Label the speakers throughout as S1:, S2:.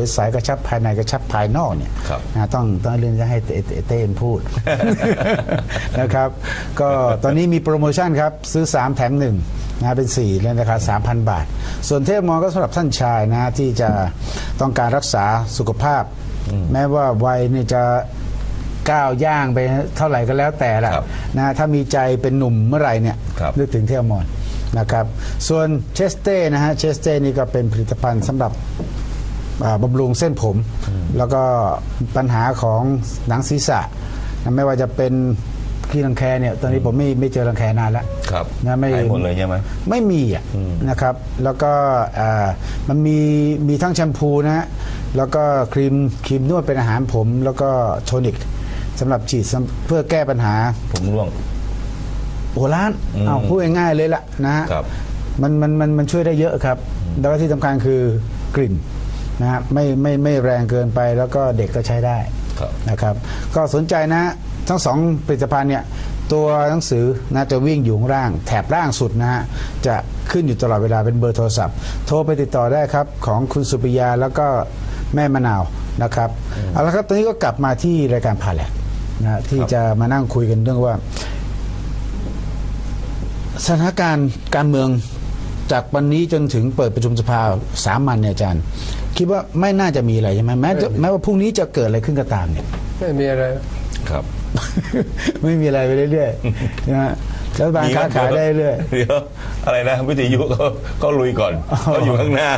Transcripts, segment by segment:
S1: สายกระชับภายในกระชับภายนอกเนี่ยต้องเรื่องจะให้เต้นพูด นะครับก็ตอนนี้มีโปรโมชั่นครับซื้อ3แถม1นะเป็น4ในราคา 3,000 บาทส่วนเทพมอก็สำหรับท่านชายนะที่จะต้องการรักษาสุขภาพแม้ว่าวัยนี่จะก้าวย่างไปเท่าไหร่ก็แล้วแต่ละนะถ้ามีใจเป็นหนุ่มเมื่อไหร่เนี่ยนึกถึงเทพมอนะครับส่วนเชสเต้นะฮะเชสเต้นี่ก็เป็นผลิตภัณฑ์สำหรับบำรุงเส้นผมแล้วก็ปัญหาของหนังศีรษะไม่ว่าจะเป็นขี้รังแคเนี่ยตอนนี้ผมไม่เจอรังแคนานแล้ว
S2: นะไม่หมดเลยใช่ไหม
S1: ไม่มีอ่ะนะครับแล้วก็มันมีทั้งแชมพูนะฮะแล้วก็ครีมนวดเป็นอาหารผมแล้วก็โทนิกสำหรับฉีดเพื่อแก้ปัญหา
S2: ผมร่วง
S1: โอ้ล้านเอาพูดง่ายๆเลยล่ะนะฮะมันช่วยได้เยอะครับแล้วก็ที่สำคัญคือกลิ่นนะฮะไม่แรงเกินไปแล้วก็เด็กก็ใช้ได้นะครับก็สนใจนะทั้ง2ผลิตภัณฑ์เนี่ยตัวหนังสือนะจะวิ่งอยู่ข้างล่างแถบล่างสุดนะฮะจะขึ้นอยู่ตลอดเวลาเป็นเบอร์โทรศัพท์โทรไปติดต่อได้ครับของคุณสุปิยาแล้วก็แม่มะนาวนะครับเอาละครับตอนนี้ก็กลับมาที่รายการพาแหลกนะที่จะมานั่งคุยกันเรื่องว่าสถานการณ์การเมืองจากวันนี้จนถึงเปิดประชุมสภาสามัญเนี่ยอาจารย์คิดว่าไม่น่าจะมีอะไรใช่ไหมแม้ว่าพรุ่งนี้จะเกิดอะไรขึ้นก็ตามเนี่ย
S3: ไม่มีอะไร
S2: ครับ
S1: ไม่มีอะไรไปเรื่อยๆนะฮะรัฐบาลค้าขายได้เรื่อย
S2: เดี๋ยวอะไรนะวิทยุเขาลุยก่อนเขาอยู่ข้างหน้า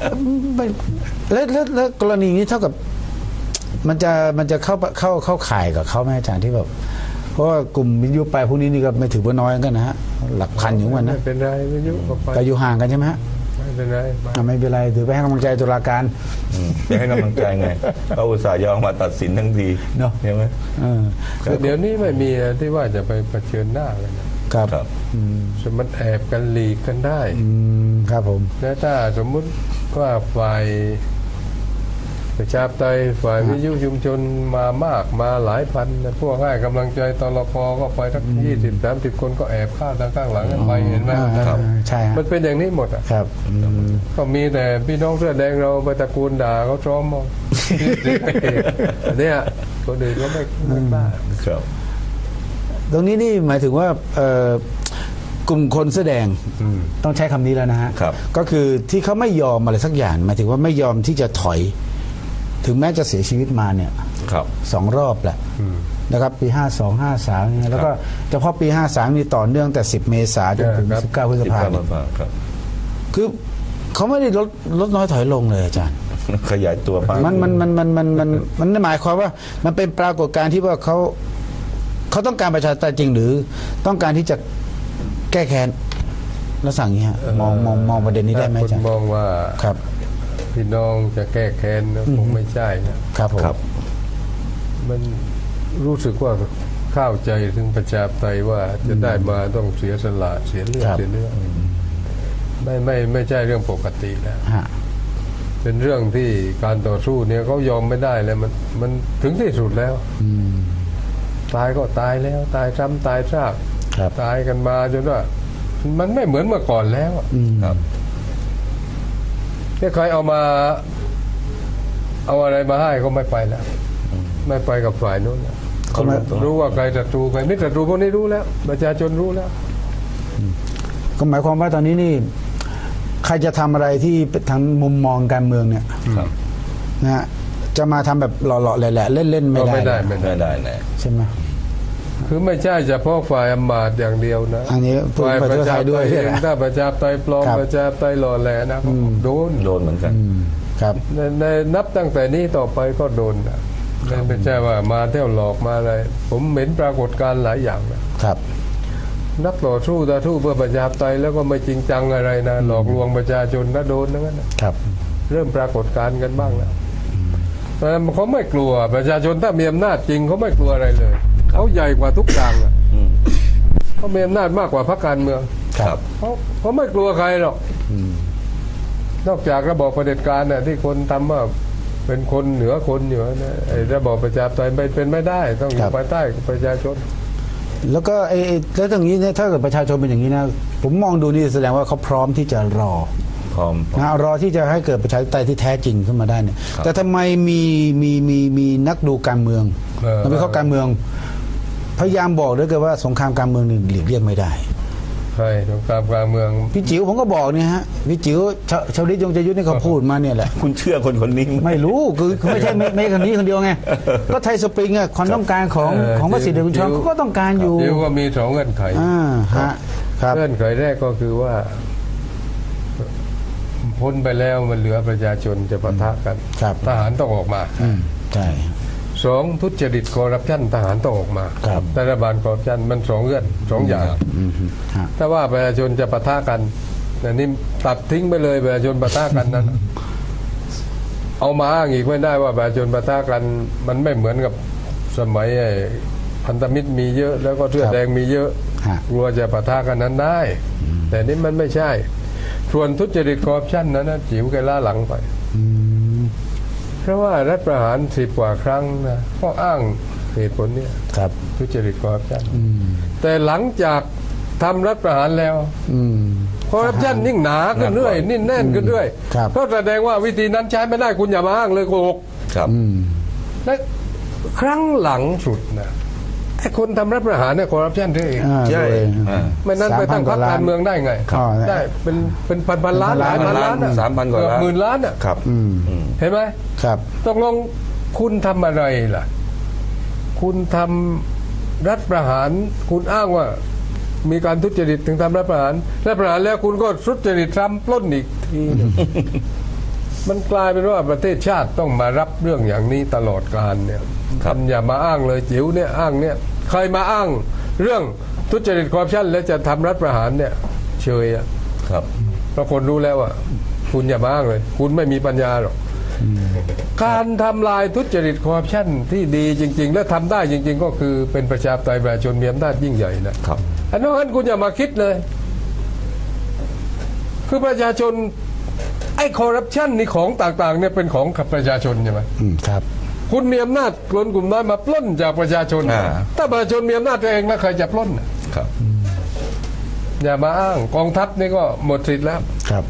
S1: แล้วกรณีนี้เท่ากับมันจะเข้าข่ายกับเขาไหมอาจารย์ที่แบบเพราะว่ากลุ่มวิทยุไปพวกนี้นี่ก็ไม่ถือว่าน้อยกันนะฮะหลักพันอยู่วันนะ
S3: ไม่เป็นไรวิทยุ
S1: ก็อยู่ห่างกันใช่ไหมฮะ
S3: ไม่เป็นไร
S1: ไม่เป็นไรถือไปให้กำลังใจตุลาการ
S2: ไปให้กำลังใจไงเขาอุตส่าห์ยอมมาตัดสินทั้งที
S1: เนาะ
S2: ใช่ไหม
S3: เดี๋ยวนี้ไม่มีที่ว่าจะไปเผชิญหน้ากัน
S1: ครับ
S3: มันแอบกันหลีกกันได้
S1: ครับผม
S3: แล้วถ้าสมมุติว่าฝ่ายประชาธิปไตยฝ่ายวิทยุชุมชนมามากมาหลายพันพวกให้กำลังใจตลก.ก็ไปทั้ง20-30 คนก็แอบฆ่าทางข้างหลังกันไปเห็นไหม
S1: ใช่
S3: มันเป็นอย่างนี้หมดอ่ะ
S1: ครับ
S3: ก็มีแต่พี่น้องเสื้อแดงเราไปตะกูลด่าเขาซ้อมมาเนี่ยคนอื่นก็ไม่บ้า
S2: ครับ
S1: ตรงนี้นี่หมายถึงว่ากลุ่มคนแสดงต้องใช้คำนี้แล้วนะฮะก็คือที่เขาไม่ยอมอะไรสักอย่างหมายถึงว่าไม่ยอมที่จะถอยถึงแม้จะเสียชีวิตมาเนี่ย2 รอบแหละนะครับปี52 53เนี่ยแล้วก็เฉพาะปี53นี่ต่อเนื่องแต่10 เมษายนจนถึง19 พฤษภาคมคือเขาไม่ได้ลดน้อยถอยลงเลยอาจารย์
S2: ขยายตัว
S1: มันหมายความว่ามันเป็นปรากฏการณ์ที่ว่าเขาต้องการประชาธิปไตยจริงหรือต้องการที่จะแก้แค้นแล้วสั่งอย่างนี้มองประเด็นนี้ได้ไหมอาจารย์
S3: มองว่า
S1: ครับ
S3: พี่น้องจะแก้แค้นคงไม่ใช่
S1: นะครับผม
S3: มันรู้สึกว่าเข้าใจถึงประชาธิปไตยว่าจะได้มาต้องเสียสละเสียเลือดเสียเนื้อไม่ใช่เรื่องปกติแล้วเป็นเรื่องที่การต่อสู้เนี่ยเขายอมไม่ได้แล้วมันถึงที่สุดแล้วตายก็ตายแล้วตายซ้ำตายซากตายกันมาจนว่ามันไม่เหมือนเมื่อก่อนแล้วครับถ้าใครเอาอะไรมาให้ก็ไม่ไปแล้วไม่ไปกับฝ่ายนู้นเขารู้ว่าใครศัตรูใครไม่ศัตรูพวกนี้รู้แล้วประชาชนรู้แล้ว
S1: ก็หมายความว่าตอนนี้นี่ใครจะทำอะไรที่ทางมุมมองการเมืองเนี่ยนะฮะจะมาทำแบบหล่อๆแหละเล่นๆไม่ได้ใช่ไหม
S3: คือไม่ใช่เฉพาะฝ่ายอำมาตย์อย่างเดียวนะ
S1: ฝ่ายประชาธิปไตยเอง
S3: ถ้าประชาธิปไตยปลอมประชาธิปไตยหล่อแหลนะโดน
S2: เหมือนกัน
S1: ครับ
S3: ในนับตั้งแต่นี้ต่อไปก็โดนนะไม่ใช่ว่ามาเที่ยวหลอกมาอะไรผมเห็นปรากฏการณ์หลายอย่างนะครับนักต่อสู้เพื่อประชาธิปไตยแล้วก็ไม่จริงจังอะไรนะหลอกลวงประชาชนก็โดนนั่น
S1: ครับ
S3: เริ่มปรากฏการณ์กันบ้างแล้วเขาไม่กลัวประชาชนถ้ามีอำนาจจริงเขาไม่กลัวอะไรเลยเขาใหญ่กว่าทุกอย่างเขามีอำนาจมากกว่าพรรคการเมืองเขาไม่กลัวใครหรอกนอกจากระบอบเผด็จการเนี่ยที่คนทำว่าเป็นคนเหนือคนอยู่นะระบอบประชาธิปไตยเป็นไม่ได้ต้องอยู่ภายใต้ประชาชน
S1: แล้วก็แล้วตรงนี้เนี่ยถ้าเกิดประชาชนเป็นอย่างนี้นะผมมองดูนี่แสดงว่าเขาพร้อมที่จะรอรอที่จะให้เกิดประชาธิปไตยที่แท้จริงขึ้นมาได้เนี่ยแต่ทำไมมีนักดูการเมืองนักวิเคราะห์การเมืองพยายามบอกด้วยกันว่าสงครามการเมืองนี่หลีกเลี่ยงไม่ได้
S3: ใช่สงครามการเมือง
S1: พี่จิ๋วผมก็บอกเนี่ยฮะพี่จิ๋วชาวลิตยงใจยุทธนี่เขาพูดมาเนี่ยแหละ
S2: คุณเชื่อคนนี้
S1: ไม่รู้คือไม่ใช่ไม่คนนี้คนเดียวไงก็ไทยสปริงอะความต้องการของพระสิทธิ์เดชคุณชรเขาก็ต้องการอยู่
S3: จิ๋วก็มีสองเงื่อนไข
S1: ฮะครับ
S3: เงื่อนไขแรกก็คือว่าพ้นไปแล้วมันเหลือประชาชนจะปะทะกันทหารต้องออกมา
S1: ใช่
S3: สองทุจริตคอร์รัปชันทหารต้องออกมารัฐบาลคอร์รัปชันมันสองเงื่อนสองอย่างถ้าว่าประชาชนจะปะทะกันแต่นี่ตัดทิ้งไปเลยประชาชนปะทะกันนั้นเอามาอ้างอีกไม่ได้ว่าประชาชนปะทะกันมันไม่เหมือนกับสมัยพันธมิตรมีเยอะแล้วก็เสื้อแดงมีเยอะกลัวจะปะทะกันนั้นได้แต่นี่มันไม่ใช่ส่วนทุจริตคอร์รัปชันนั้นนะจิ๋วแกล้าหลังไปเพราะว่ารัฐประหาร10 กว่าครั้งนะก็อ้างเหตุผลนี้ทุจริตคอร์รัปชันแต่หลังจากทำรัฐประหารแล้วคอร์รัปชันยิ่งหนาขึ้นเรื่อยนิ่งแน่นขึ้นเรื่อยก็แสดงว่าวิธีนั้นใช้ไม่ได้คุณอย่ามาอ้างเลยโกหกและครั้งหลังสุดนะไอ้คนทำรัฐประหารเนี่ยคอร์รัปชันด้วย
S2: ใช่
S3: ไม่นั้นไปตั้งพรรคการเมืองได้ไงได้เป็นพันล้านหลายพันล้าน
S2: 3,000 กว่าล้าน
S3: หมื่นล้านอ่ะเห็นไหมตกลงคุณทำอะไรล่ะคุณทำรัฐประหารคุณอ้างว่ามีการทุจริตถึงทำรัฐประหารแล้วคุณก็ทุจริตทำปล้นอีกทีมันกลายเป็นว่าประเทศชาติต้องมารับเรื่องอย่างนี้ตลอดกาลเนี่ยอย่ามาอ้างเลยจิ๋วเนี่ยอ้างเนี่ยใครมาอ้างเรื่องทุจริตคอร์รัปชันแล้วจะทำรัฐประหารเนี่ยเชยอ่ะเพราะคนรู้แล้วว่าคุณอย่ามาอ้างเลยคุณไม่มีปัญญาหรอกการทำลายทุจริตคอร์รัปชันที่ดีจริงๆและทำได้จริงๆก็คือเป็นประชาธิปไตยประชาชนมีอำนาจยิ่งใหญ่นะครับอันนั้นคุณอย่ามาคิดเลยคือประชาชนไอ้คอร์รัปชันนี่ของต่างๆเนี่ยเป็นของประชาชนใช่ไหม
S1: ครับ
S3: คุณมีอำนาจคนกลุ่มน้อยมาปล้นจากประชาชนถ้าประชาชนมีอำนาจเองแล้วใครจะปล้นอย่ามาอ้างกองทัพนี่ก็หมดสิทธิ์แล้ว
S1: ครับ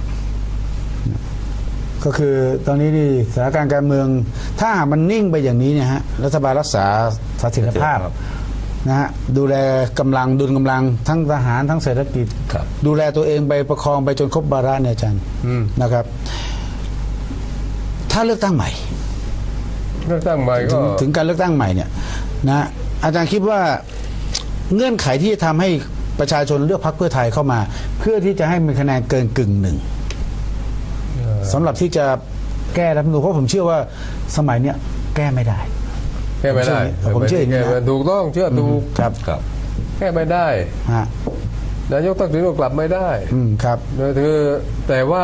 S1: ก็คือตอนนี้นี่สถานการณ์การเมืองถ้ามันนิ่งไปอย่างนี้เนี่ยฮะรัฐบาลรักษาเสถียรภาพนะฮะดูแลกำลังดุลกำลังทั้งทหารทั้งเศรษฐกิจดูแลตัวเองไปประคองไปจนครบวาระเนี่ยอาจารย์นะครับถ้าเลือกตั้งใหม่
S3: ก็
S1: ถึงการเลือกตั้งใหม่เนี่ยนะอาจารย์คิดว่าเงื่อนไขที่จะทำให้ประชาชนเลือกพรรคเพื่อไทยเข้ามาเพื่อที่จะให้มีคะแนนเกินกึ่งหนึ่งสำหรับที่จะแก้รัฐธรรมนูญเพราะผมเชื่อว่าสมัยเนี้ยแก้ไม่ได้ผมเชื่ออย่างนี้นะ
S3: ถูกต้องเชื่อถูก
S1: ครับ
S3: แก้ไม่ได้นายกทักษิณก็กลับไม่ได้
S1: ครับ
S3: แต่ว่า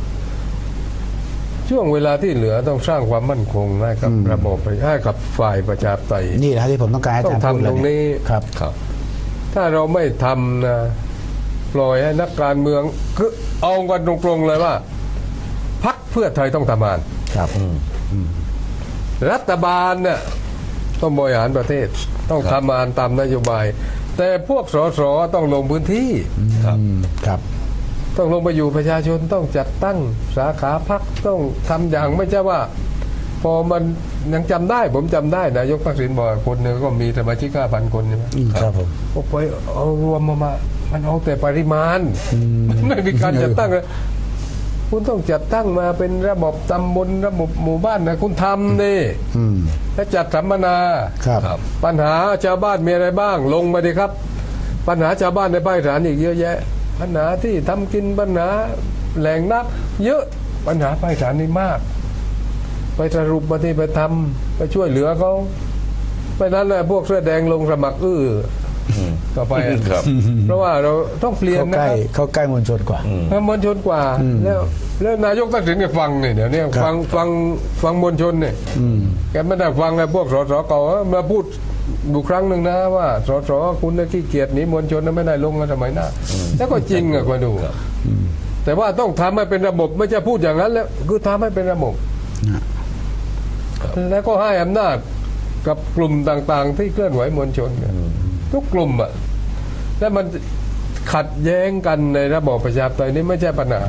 S3: ช่วงเวลาที่เหลือต้องสร้างความมั่นคงให้กับระบบให้กับฝ่ายประชาธิปไตย
S1: นี่แหละที่ผมต้องการ
S3: ต้องทำตรงนี้
S1: ครับ
S3: ถ้าเราไม่ทำนะปล่อยให้นักการเมืองคือเอากันตรงๆเลยว่าพรรคเพื่อไทยต้องทำงาน
S1: ครับ
S3: รัฐบาลเนี่ยต้องบริหารประเทศต้องทำงานตามนโยบายแต่พวกสสต้องลงพื้นที่
S1: ครับ
S3: ต้องลงไปอยู่ประชาชนต้องจัดตั้งสาขาพรรคต้องทำอย่างไม่ใช่ว่าพอมันยังจำได้ผมจำได้นายกทักษิณบอกคนหนึ่งก็มีสมาชิก5,000 คนใช่ไหม
S1: ครับผม
S3: ไปเอารวมมามันเอาแต่ปริมาณไม่มีการจัดตั้งเลยคุณต้องจัดตั้งมาเป็นระบบตำบลระบบหมู่บ้านนะคุณทำดิและจัดสัมมนาปัญหาชาวบ้านมีอะไรบ้างลงมาดิครับปัญหาชาวบ้านในภาคอีสานอีกเยอะแยะปัญหาที่ทำกินปัญหาแหล่งน้ำเยอะปัญหาภาคอีสานนี่มากไปสรุปมาที่ไปทำไปช่วยเหลือเขาไปนั้นแหละพวกเสื้อแดงลงสมัครต่อไปเพราะว่าเราต้องเปลี่ยน
S1: นะครับเขาใกล้มวลชนกว่
S3: ามวลชนกว่าแล้วนายกทักษิณก็ฟังเนี่ยเดี๋ยวนี้ฟังมวลชนเนี่ยแกไม่ได้ฟังไอ้พวกสสเก่ามาพูดดูครั้งหนึ่งนะว่าสสคุณขี้เกียจหนีมวลชนไม่ได้ลงกันสมัยหน้าแล้วก็จริงอ่ะมาดูแต่ว่าต้องทำให้เป็นระบบไม่ใช่พูดอย่างนั้นแล้วคือทำให้เป็นระบบแล้วก็ให้อำนาจกับกลุ่มต่างๆที่เคลื่อนไหวมวลชนทุกกลุ่มอ่ะแล้วมันขัดแย้งกันในระบอบประชาธิปไตยนี่ไม่ใช่ปัญหา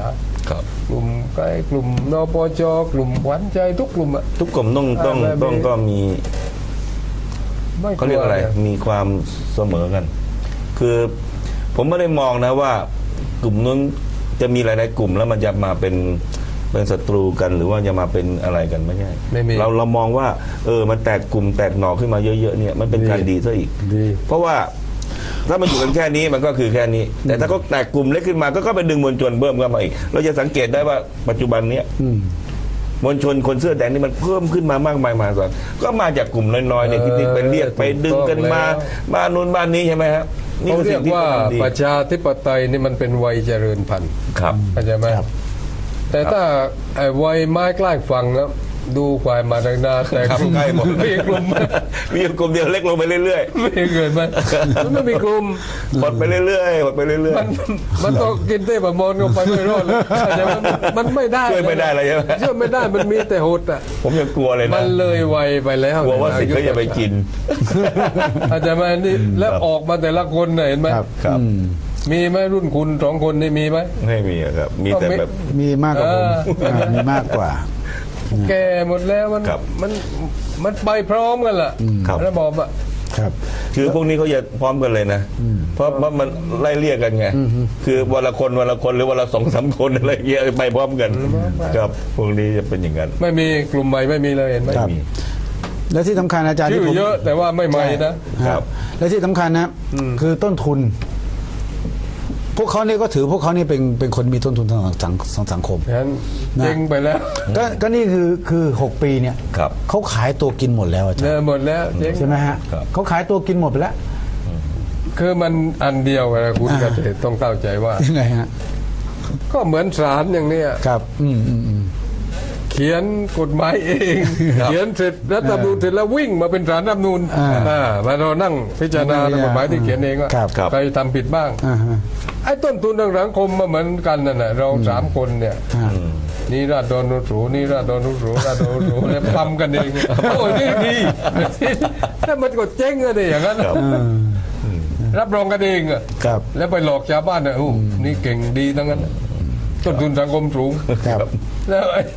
S2: ครับ
S3: กลุ่มใกล้กลุ่มนปจกลุ่มขวัญใจทุกกลุ่มอะ
S2: ทุกกลุ่มต้องก็มี
S3: ไม่
S2: เขาเรียกอะไร
S3: นี่
S2: มีความเสมอกัน คือผมไม่ได้มองนะว่ากลุ่มนู้นจะมีหลายๆกลุ่มแล้วมันจะมาเป็นศัตรูกันหรือว่าจะมาเป็นอะไรกันไม่ใช่
S3: ไม่มี
S2: เรามองว่ามันแตกกลุ่มแตกหน่อขึ้นมาเยอะๆเนี่ยมันเป็นการดีซะอีก
S3: ดี
S2: เพราะว่าถ้ามันอยู่กันแค่นี้มันก็คือแค่นี้ แต่ถ้าเขาแตกกลุ่มเล็กขึ้นมาก็ไปดึงมวลชนเพิ่มเข้ามาอีกเราจะสังเกตได้ว่าปัจจุบันเนี้ยมวลชนคนเสื้อแดงนี่มันเพิ่มขึ้นมามากมายมหาศาลก็มาจากกลุ่มน้อยๆเนี่ยที่ไปเรียกไปดึงกันมาบ้านนู้นบ้านนี้ใช่ไหมครับนี่
S3: เขา
S2: คือ
S3: เรี
S2: สิ่
S3: ยก
S2: งที่
S3: ว่า
S2: ดี
S3: ประชาธิปไตยนี่มันเป็นวัยเจริญพันธุ์
S2: ครับ
S3: เข้าใจไหม
S1: ครับ
S3: แต่ถ้าไอ้วัยไม้ใกล้ฝั่งนะดูควายมาดังนาแต่
S2: ครับ
S3: กลุ่ม
S2: ใกล้หมด
S3: มีกลุ่ม
S2: มีอยู่กลุ่มเดียวเล็กลงไปเรื่อย
S3: ไม่เกิดมันไม่มีกลุ่ม
S2: ๆหดไปเรื่อยๆหดไปเรื่อย
S3: มันต้องกินเต้บะมอนก็ไปไม่รอดเลยเข้าใจไหมมันไม่ได้
S2: ช่วยไม่ได้เลยใช่ไหม
S3: ช่วยไม่ได้มันมีแต่หดอ่ะ
S2: ๆผมยังกลัวเลย
S3: มั
S2: นะ
S3: นเลยวัยไปแล้ว
S2: กลัวว่าสิทธิ์เขาจะไปกิน
S3: เข้าใจไหมนี่แล้วออกมาแต่ละคนน่ะเห็นไหม
S1: ครับ
S2: ครับ
S3: มีไหมรุ่นคุณ2 คนนี่มีไหม
S2: ไม่มีอะครับ มีแต่แบบ
S1: มีมากกว่าผมมีมากกว่า
S3: แก่หมดแล้วมัน
S2: ครับ
S3: มันไปพร้อมกันล่ะ
S2: ครับ
S3: ระบอบอ่ะ
S1: ครับ
S2: คือพวกนี้เขาจะพร้อมกันเลยนะ เพราะมันไล่เรียกกันไง คือวันละคนหรือวันละ2-3 คนอะไรเงี้ยไปพร้อมกันครับพวกนี้จะเป็นอย่างนั้น
S3: ไม่มีกลุ่มใหม่ไม่มีเลยเห็นไหม
S1: ครับ
S2: มี
S1: และที่สำคัญอาจารย์
S3: ชื่
S1: ที่
S3: อ
S1: ผม
S3: เยอะแต่ว่าไม่ใหม่นะ
S2: ครับ
S1: และที่สำคัญนะคือต้นทุน พวกเขาเนี่ยก็ถือพวกเขานี่เป็นคนมีต้นทุนทางสังคม
S3: งั้นเจ๊งไปแล้ว
S1: ก็นี่คือ6 ปีเนี่ย
S2: ครับ
S1: เขาขายตัวกินหมดแล้วอาจาร
S3: เลิ
S1: ย์
S3: หมดแล้วเจ๊ง
S1: ใช่ไหมฮะ
S2: ครับ
S1: เขาขายตัวกินหมดไปแล้ว
S3: คือมันอันเดียวกันนะคุณเกษตรต้องเข้าใจว่า
S1: ยังไงฮะ
S3: ก็เหมือนศาลอย่างเนี้ย
S1: ครับ
S3: เขียนกฎหมายเอง เขียนเสร็จรัฐธรรมนูญเสร็จแล้ววิ่งมาเป็นศาลรัฐธรรมนูญมาเรานั่งพิจารณากฎหมายที่เขียนเองว่า
S1: ครับ
S2: ครับ
S3: ใครทำผิดบ้าง
S1: อ่าฮะ
S3: ไอ้ต้นทุนทางสังคมมาเหมือนกันนั่นแหละเรา3 คนเนี่ย
S1: อ่า
S3: นี่ราษฎรนุสูนี่ราษฎรนุสูราษฎรนุสูแล้วทำกันเองโอ้ยนี่ดีถ้ามันก็เจ๊งอะไรอย่างนั้น
S2: ครับ
S3: รับรองกันเองอะ
S1: ครับ
S3: แล้วไปหลอกชาวบ้านเนี่ยโอ้นี่เก่งดีทั้งนั้นต้นทุนสังคมสูง
S1: ครับ
S3: แล้วไอ้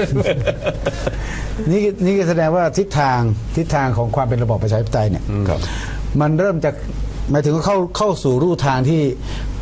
S1: นี่ก็แสดงว่าทิศทางของความเป็นระบอบประชาธิปไตยเนี่ย
S2: ครับ
S1: มันเริ่มจากหมายถึงเข้าสู่รูทางที่